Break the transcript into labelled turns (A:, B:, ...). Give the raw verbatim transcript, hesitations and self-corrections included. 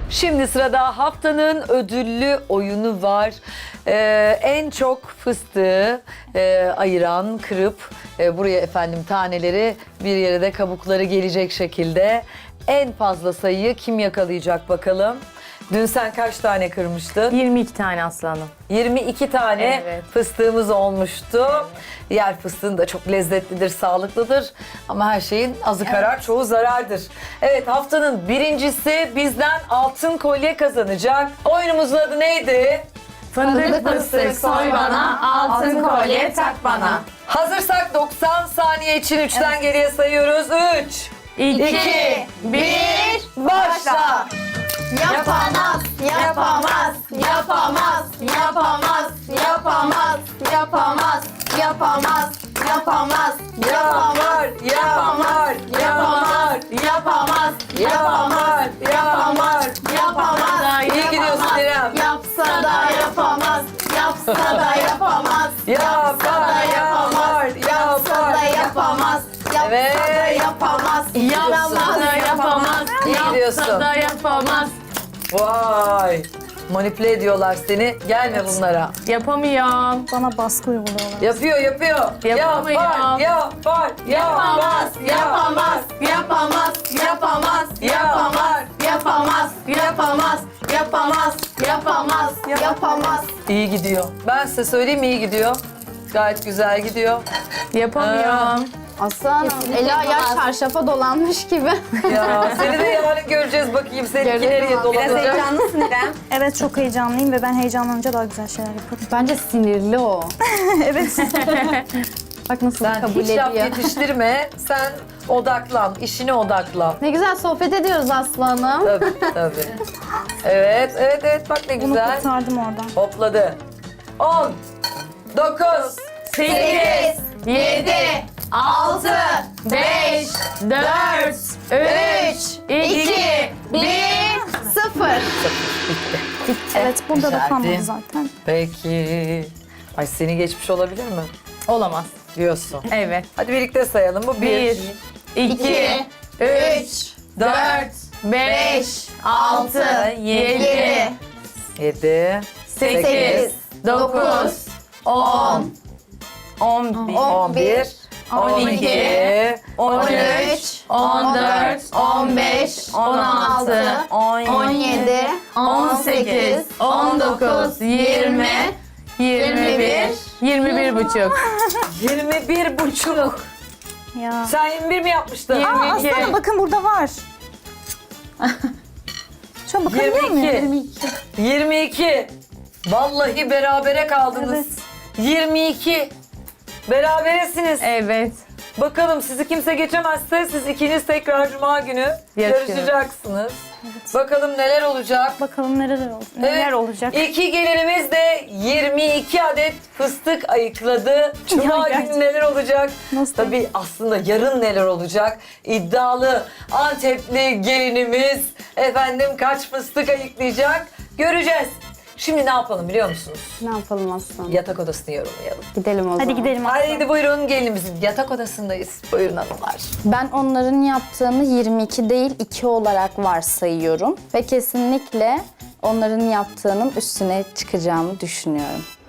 A: Şimdi sırada haftanın ödüllü oyunu var. Ee, en çok fıstığı e, ayıran, kırıp e, buraya efendim taneleri, bir yere de kabukları gelecek şekilde en fazla sayıyı kim yakalayacak bakalım. Dün sen kaç tane kırmıştın?
B: yirmi iki tane aslanım.
A: yirmi iki tane
B: Evet.
A: fıstığımız olmuştu. Yer fıstığın da çok lezzetlidir, sağlıklıdır. Ama her şeyin azı karar, çoğu zarardır. Evet, haftanın birincisi bizden altın kolye kazanacak. Oyunumuzun adı neydi?
B: Fındık fıstık soy bana, altın kolye tak bana.
A: Hazırsak doksan saniye için üçten geriye sayıyoruz. üç,
B: iki,
A: bir, başla.
C: Yapamaz, yapamaz, yapamaz, yapamaz, yapamaz, yapamaz, yapamaz, yapamaz,
A: Yapar, yapar, yapar,
C: yapamaz,
A: yapar, yapar.
C: yapamaz,
A: İyi gidiyorsun İrem.
C: yapsa da yapamaz, yapsa da yapamaz,
A: Yapar, yapar,
C: yapsa da
A: yapar.
C: yapamaz, yapsa
A: Evet.
C: da yapamaz,
B: Yapsa da yapamaz,
A: İyi gidiyorsun.
B: yapsa da yapamaz.
A: Vay. Manipüle ediyorlar seni. Gelme bunlara.
B: Yapamıyorum.
D: Bana baskı uyguluyorlar.
A: Yapıyor, yapıyor.
B: Yapamıyor.
A: Yapar, yapar,
C: yapamaz,
A: yapar,
C: yapamaz, yapamaz, yapamaz, yapamaz, yapamaz, yapamaz, yapamaz, yapamaz.
A: İyi gidiyor. Ben size söyleyeyim, iyi gidiyor. Gayet güzel gidiyor.
B: Yapamıyorum.
C: Aslanım, eli ayağı çarşafa dolanmış gibi.
A: Ya seni de yarın göreceğiz bakayım. Seninki
C: Görelim
A: nereye
C: abi.
A: dolanacak?
C: heyecanlısın İrem.
D: Evet çok heyecanlıyım ve ben heyecanlanınca daha güzel şeyler yaparım.
C: Bence sinirli o.
D: Evet.
C: Bak nasıl
A: Sen
C: kabul
A: hiç laf
C: ediyor.
A: yetiştirme. Sen odaklan, işine odaklan.
C: Ne güzel sohbet ediyoruz aslanım.
A: Tabii, tabii. Evet, evet, evet. Bak ne
D: Bunu
A: güzel.
D: kurtardım oradan.
A: Hopladı. on, dokuz,
B: sekiz,
C: yedi, altı,
B: beş, dört, üç, iki,
C: bir, sıfır.
D: Evet burada da
A: Güzeldi.
D: kalmadı zaten.
A: Peki. Ay seni geçmiş olabilir mi?
B: Olamaz.
A: Diyorsun.
B: Evet.
A: Hadi birlikte sayalım. Bu bir.
B: Bir, iki, üç, dört, beş, altı, yedi,
A: Yedi.
B: sekiz, dokuz, on, on bir,
A: On bir.
B: on iki, on üç, on dört, on beş, on altı,
C: on yedi,
B: on sekiz, on dokuz, yirmi, yirmi bir, yirmi bir buçuk.
A: Yirmi bir buçuk.
D: Ya.
A: Sen yirmi bir mi yapmıştın?
D: Aa,
B: yirmi iki.
D: aslanım bakın burada var. Şu an bakabiliyor
A: Yirmi
D: muyum?
A: iki. Yirmi iki. Vallahi berabere kaldınız.
D: Evet.
A: Yirmi iki. Beraberesiniz.
B: Evet.
A: Bakalım sizi kimse geçemezse siz ikiniz tekrar Cuma günü
B: Yarışıyoruz.
A: yarışacaksınız. Bakalım neler olacak.
D: Bakalım neler, ol neler
A: Evet,
D: olacak.
A: İki gelinimiz de yirmi iki adet fıstık ayıkladı. Cuma
D: Ya,
A: günü
D: gerçekten.
A: neler olacak?
D: Nasıl?
A: Tabii aslında yarın neler olacak? İddialı Antepli gelinimiz efendim kaç fıstık ayıklayacak? Göreceğiz. Şimdi ne yapalım biliyor musunuz?
C: Ne yapalım aslanım?
A: Yatak odasını yorumlayalım.
C: Gidelim o zaman.
D: Hadi gidelim aslanım.
A: Haydi buyurun gelinimizin yatak odasındayız. Buyurun hanımlar.
E: Ben onların yaptığını yirmi iki değil iki olarak varsayıyorum ve kesinlikle onların yaptığının üstüne çıkacağımı düşünüyorum.